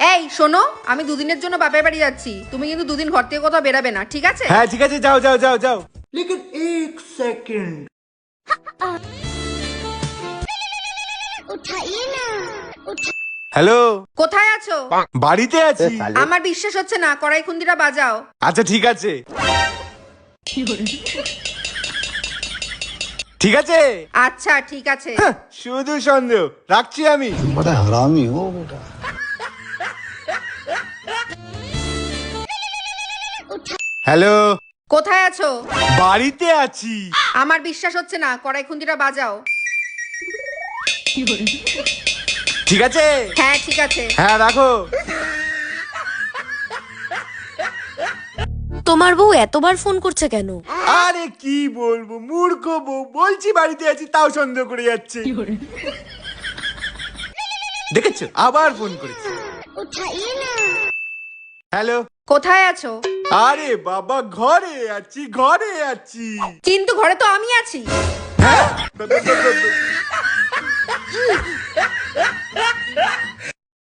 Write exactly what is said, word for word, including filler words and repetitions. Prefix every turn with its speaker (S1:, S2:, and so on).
S1: এই শোনো, আমি দুদিনের জন্য বাপের বাড়ি যাচ্ছি, তুমি কিন্তু দুদিন ঘর থেকে কোথাও বেরাবে না, ঠিক আছে?
S2: হ্যাঁ ঠিক আছে, যাও যাও যাও যাও।
S3: लेकिन एक सेकंड
S2: হ্যালো,
S1: কোথায় আছো?
S2: বাড়িতে আছি।
S1: আমার বিশ্বাস হচ্ছে না, কড়াই খুন্দিটা বাজাও।
S2: আচ্ছা ঠিক আছে, ঠিক আছে।
S1: আচ্ছা ঠিক আছে।
S2: হ্যাঁ, শুধু সন্দেহ, রাখছি আমি।
S4: बड़ा हरामी हो बेटा।
S2: হ্যালো,
S1: কোথায় আছো?
S2: বাড়িতে আছি।
S1: আমার বিশ্বাস হচ্ছে না, কড়াই খুন্দিটা বাজাও।
S2: ঠিক আছে,
S1: হ্যাঁ ঠিক আছে।
S2: হ্যাঁ রাখো।
S5: তোমার বউ এতবার ফোন করছে কেন?
S2: আরে কি বলবো, মূর্খ বউ, বলছি বাড়িতে আছি তাও সন্দেহ করে যাচ্ছে। দেখেছো, আবার ফোন করেছে। হ্যালো,
S1: কোথায় আছো?
S2: আরে বাবা ঘরে আছি, ঘরে আছি।
S1: কিন্তু ঘরে তো আমি আছি।
S2: হ্যাঁ